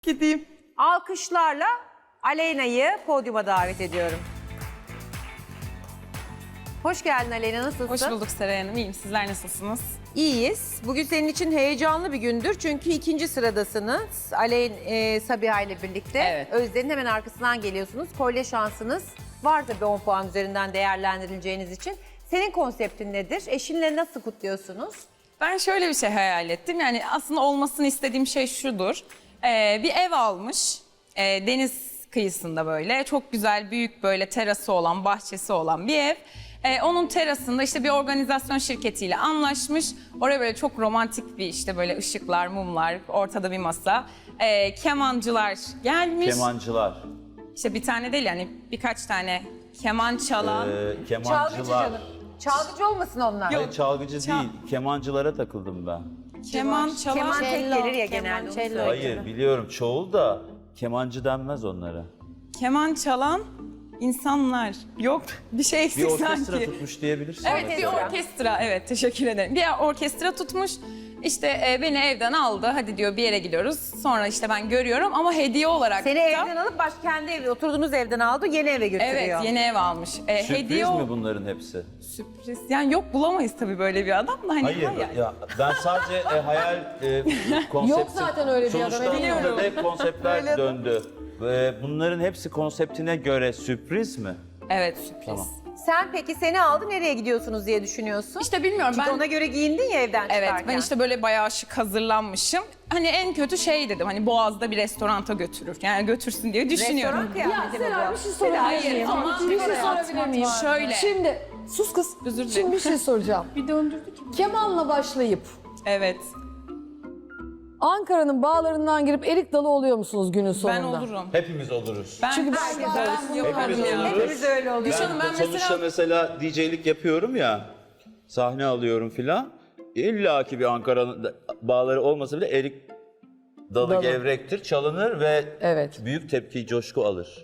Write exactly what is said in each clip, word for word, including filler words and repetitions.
Gideyim. Alkışlarla Aleyna'yı podyuma davet ediyorum. Hoş geldin Aleyna, nasılsın? Hoş bulduk Seray Hanım. İyiyim. Sizler nasılsınız? İyiyiz. Bugün senin için heyecanlı bir gündür çünkü ikinci sıradasınız. Aleyn e, Sabiha ile birlikte. Evet. Özden'in hemen arkasından geliyorsunuz. Kolye şansınız var tabii on puan üzerinden değerlendirileceğiniz için. Senin konseptin nedir? Eşinle nasıl kutluyorsunuz? Ben şöyle bir şey hayal ettim. Yani aslında olmasını istediğim şey şudur. Ee, bir ev almış. Ee, deniz kıyısında böyle. Çok güzel, büyük böyle terası olan, bahçesi olan bir ev. Ee, onun terasında işte bir organizasyon şirketiyle anlaşmış. Oraya böyle çok romantik bir işte böyle ışıklar, mumlar, ortada bir masa. Ee, kemancılar gelmiş. Kemancılar. İşte bir tane değil yani birkaç tane keman çalan. Ee, Çalgıcı kemancılar. canım. Çalgıcı olmasın onlar. Hayır, çalgıcı Çal- değil. Kemancılara takıldım ben. Keman çalan. Keman tek Cello, gelir ya genelde. onu kemançello. söyleyeyim. Hayır biliyorum çoğul da kemancı denmez onlara. Keman çalan insanlar. Yok bir şey Bir eksik orkestra sanki. tutmuş diyebilirsin. Evet bir Orkestra. orkestra. Evet teşekkür ederim. Bir orkestra tutmuş. İşte e, beni evden aldı. Hadi diyor bir yere gidiyoruz. Sonra işte ben görüyorum ama hediye olarak Seni da- evden alıp baş kendi evi, oturduğunuz evden aldı, yeni eve götürüyor. Evet yeni ev almış. E, Sürpriz hediye o- mi bunların hepsi? Sürpriz. Yani yok bulamayız tabii böyle bir adam da hani Hayır hayal. ya ben sadece e, hayal e, konsepti. Yok zaten öyle bir adam, Sonuçta biliyorum. burada da hep konseptler döndü. E, bunların hepsi konseptine göre sürpriz mi? Evet sürpriz. Tamam. Sen peki seni aldı, nereye gidiyorsunuz diye düşünüyorsun? İşte bilmiyorum Çünkü ben... ona göre giyindin ya evden Evet çıkarken. ben işte böyle bayağı şık hazırlanmışım. Hani en kötü şey dedim hani Boğaz'da bir restoranta götürür. Yani götürsün diye düşünüyorum. Restoran kıyafeti mi Seray bu? bir şey sorabilir Hayır, miyim? ama bir şey evet, sorabilir miyim? şöyle. Şimdi sus kız. Özür dilerim. Şimdi bir şey soracağım. Bir döndürdü ki. Kemanla başlayıp Evet Ankara'nın bağlarından girip erik dalı oluyor musunuz günün ben sonunda? olurum. Hepimiz oluruz. Ben, Çünkü ben- ben, ben- ben yaparım Hepimiz ya. oluruz. Hepimiz öyle oluyor. Düşün- Hanım, ben sonuçta mesela- mesela D J'lik yapıyorum ya, sahne alıyorum filan. İlla ki bir Ankara'nın bağları olmasa bile erik dalı, Dalı. gevrektir, çalınır ve Evet. büyük tepki, coşku alır.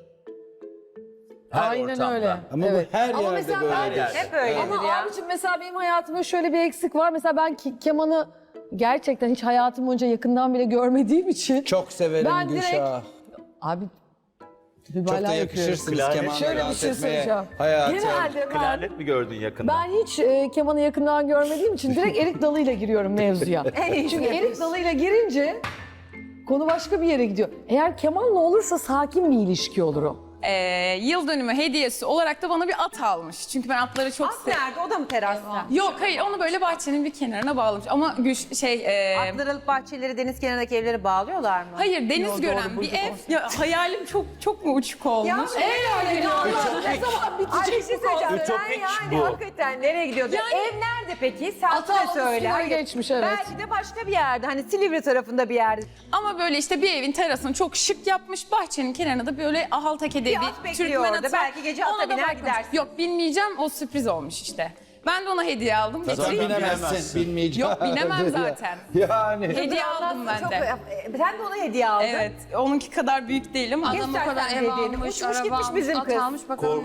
Her Aynen ortamda. öyle. Ama evet. bu her Ama yerde mesela böyle. ben- yerde. Hep öyledir Ama ya. abicim mesela benim hayatımda şöyle bir eksik var. Mesela ben ki- kemanı gerçekten hiç hayatım boyunca yakından bile görmediğim için. Çok severim Ben direkt- Gülşah. Abi Çok mübalağa da yapıyorum. yakışırsınız Klarnet- kemanla Şöyle bir dans şey etmeye söyleyeceğim. hayatım. Genelde ben, Klarnet mi gördün yakında? ben hiç e, kemanı yakından görmediğim için direkt erik dalıyla giriyorum mevzuya. Çünkü erik dalıyla girince konu başka bir yere gidiyor. Eğer kemanla olursa sakin bir ilişki olur o. Ee, yıl dönümü hediyesi olarak da bana bir at almış. Çünkü ben atları çok At seviyorum. nerede? O da mı terasta? Yok hayır onu böyle bahçenin bir kenarına bağlamış. Ama güç şey... e, Atlar alıp bahçeleri, deniz kenarındaki evleri bağlıyorlar mı? hayır deniz Yo, gören doğru, bir bulduk ev. onu. Ya, hayalim çok çok mu uçuk olmuş? Ya, Eğer ne zaman Ay bir bitecek şey bu söyleyeceğim. konu? Sen Ütopik yani bu. hakikaten nereye gidiyordu? Yani- Ev nerede peki? Sen Ata de onun söyle. üstüne Hayır. geçmiş, evet. Belki de başka bir yerde. Hani Silivri tarafında bir yerde. Ama böyle işte bir evin terasını çok şık yapmış. Bahçenin kenarına da böyle ahalteke diye Bir bir, at bekliyor Türkmen orada. atı. Belki gece ata Ona da biner bakmadım. gidersin. Yok binmeyeceğim o sürpriz olmuş işte. Ben de ona hediye aldım. Sen Getireyim. binemezsin, bilemezsin. bilmeyeceğim. Yok, binemem zaten. Yani. Hediye aldım ben Çok, de. e, sen de ona hediye aldın. Evet, onunki kadar büyük değil ama Adam o kadar ev almış, uçmuş gitmiş bizim kız. Korkuyorum.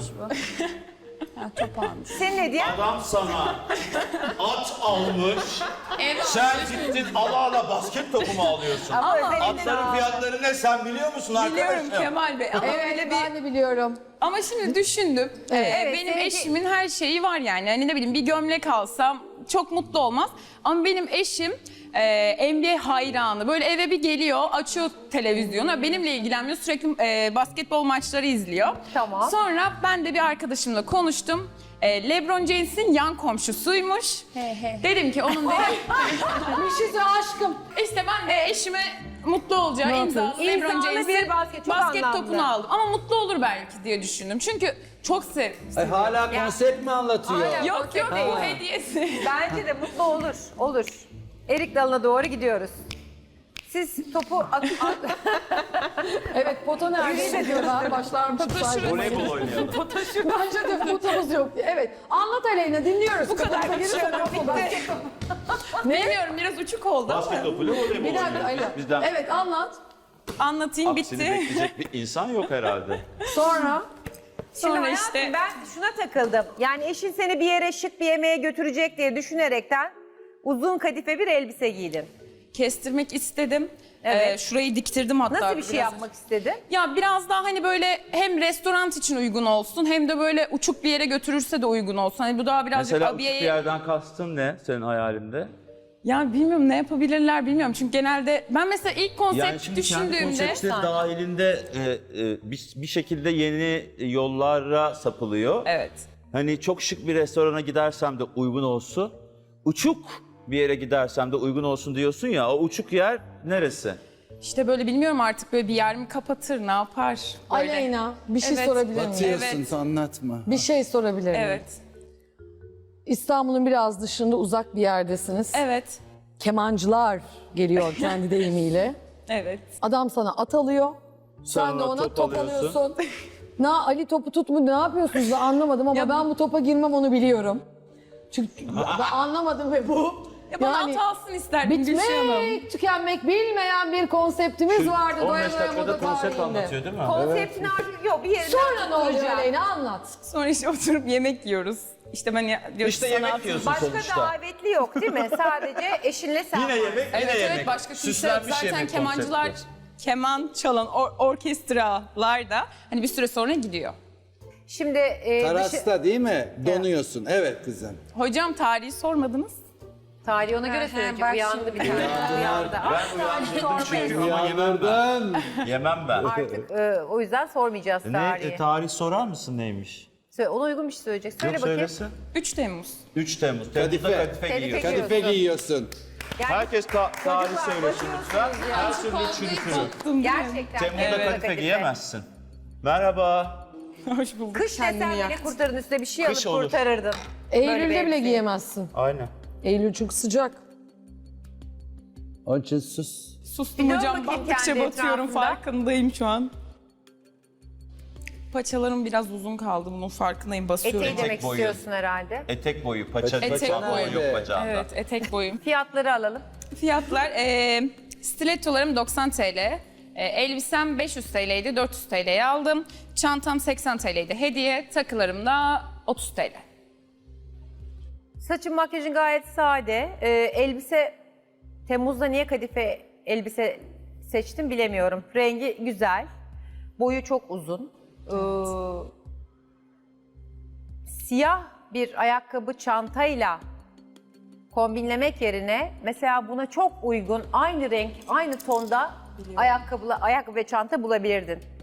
Ha, top almış. Senin hediyen Adam sana at almış, sen gittin ala ala basket topu mu alıyorsun? ama özellikle Atların fiyatları ne sen biliyor musun arkadaşım? Biliyorum Kemal Bey ama Evet öyle bir... ben de biliyorum. Ama şimdi düşündüm. Ee, Evet, benim seninki- eşimin her şeyi var yani. Hani ne bileyim bir gömlek alsam çok mutlu olmaz. Ama benim eşim e, N B A hayranı. Böyle eve bir geliyor, açıyor televizyonu. Benimle ilgilenmiyor. Sürekli e, basketbol maçları izliyor. Tamam. Sonra ben de bir arkadaşımla konuştum. E, LeBron James'in yan komşusuymuş. Dedim ki onun dedim, Bir şey söyle aşkım. işte ben de eşime mutlu olacağı Ne imza yapıyorsun? LeBron İmzalı James'in bir basket, çok basket anlamlı. topunu aldım. Ama mutlu olur belki diye düşündüm. Çünkü çok sev. Ay, hala konsept mi anlatıyor? Hala- Yok yok değil. bu hediyesi. bence de mutlu olur. Olur. Erik dalına doğru gidiyoruz. Siz topu at, at, Evet pota nerede diyorlar başlarmışım sadece. Voleybol oynayalım. Bence de potamız yok. Evet anlat Aleyna dinliyoruz. Bu kadar. Bilmiyorum biraz uçuk oldu ama. Basket topuyla voleybol Bir dakika oynuyoruz. Aleyna. Bizden Evet anlat. Anlatayım aksini bitti. bekleyecek bir insan yok herhalde. Sonra Şimdi Sonra hayatım, işte ben şuna takıldım. Yani eşin seni bir yere şık bir yemeğe götürecek diye düşünerekten uzun kadife bir elbise giydin. kestirmek istedim. Evet. Ee, şurayı diktirdim hatta. Nasıl bir şey biraz. yapmak istedin? Ya biraz daha hani böyle hem restoran için uygun olsun hem de böyle uçuk bir yere götürürse de uygun olsun. Hani bu daha birazcık Mesela uçuk abiyeye... bir yerden kastın ne senin hayalinde? Ya bilmiyorum ne yapabilirler bilmiyorum. Çünkü genelde ben mesela ilk konsept Yani şimdi kendi düşündüğümde... konsepti dahilinde e, e, bir, bir şekilde yeni yollara sapılıyor. Evet. Hani çok şık bir restorana gidersem de uygun olsun. Uçuk bir yere gidersem de uygun olsun diyorsun ya. O uçuk yer neresi? İşte böyle bilmiyorum artık böyle bir yer mi kapatır ne yapar? Böyle. Aleyna bir şey Evet. sorabilir miyim? Batıyorsun Evet. anlatma. Bir şey sorabilir miyim? Evet. İstanbul'un biraz dışında uzak bir yerdesiniz. Evet. Kemancılar geliyor kendi deyimiyle. Evet. Adam sana at alıyor. Sen Sonra de ona top top, alıyorsun. alıyorsun. Na Ali topu tut mu ne yapıyorsunuz da anlamadım ama Ya bu- ben bu topa girmem onu biliyorum. Çünkü ben anlamadım ve bu Ya bana yani at alsın isterdim Gülşah Hanım. bitmek, tükenmek bilmeyen bir konseptimiz vardı. on Doya beş doya dakikada moda konsept tarihinde. anlatıyor değil mi? Konseptin artık yok bir yerine Sonra ne oluyor oturacak. Aleyna anlat. Sonra işte oturup yemek yiyoruz. İşte ben ya, diyor İşte ki sana yemek atın. yiyorsun Başka sonuçta. davetli yok değil mi? Sadece eşinle sen Yine varsın. yemek, yine Evet yemek. evet başka kimse yok. Süslenmiş Zaten yemek kemancılar konsepti. keman çalan or- orkestralar da hani bir süre sonra gidiyor. Şimdi e, dışı, Terasta değil mi? Donuyorsun. Evet kızım. Hocam tarihi sormadınız. tarihi ona göre söyleyecek. Uyandı bir tane. Uyandı. Ben uyandırdım çünkü ama yemem ben. Uyandırdın. Yemem ben. Artık e, o yüzden sormayacağız Ne, tarihi. e, tarih sorar mısın neymiş? Söyle, ona uygun bir şey söyleyecek. Söyle Yok bakayım. söylesin. üç Temmuz. üç Temmuz. Temmuz'da Kadife. kadife Kadife giyiyor. giyiyor. Kadife giyiyorsun. Yani Herkes ta- tarih Çocuklar, söylesin lütfen. bakıyorsunuz ya. Her türlü çürütürüm. gerçekten. Temmuz'da Temmuz'da kadife giyemezsin. Merhaba. Hoş bulduk. Kış Kendimi desen bile yaktım. kurtarın üstüne bir şey Kış alıp olur. kurtarırdın. Eylül'de bile elbise. giyemezsin. Aynen. Eylül çünkü sıcak. Onun için sus. Sustum Bir dön hocam. bakayım Baktıkça kendi batıyorum etrafında. farkındayım şu an. Paçalarım biraz uzun kaldı bunun farkındayım basıyorum. Eteği Etek demek boyu. istiyorsun herhalde. Etek boyu, paça, Etek paça boyu. yok bacağında. Evet etek boyum. Fiyatları alalım. Fiyatlar e, stilettolarım doksan TL. E, elbisem beş yüz TL'ydi dört yüz TL'ye aldım. Çantam seksen TL'ydi hediye. Takılarım da otuz TL. Saçın makyajın gayet sade. Ee, elbise Temmuz'da niye kadife elbise seçtim bilemiyorum. Rengi güzel. Boyu çok uzun. Ee, siyah bir ayakkabı çantayla kombinlemek yerine mesela buna çok uygun aynı renk, aynı tonda ayakkabı, ayakkabı ve çanta bulabilirdin.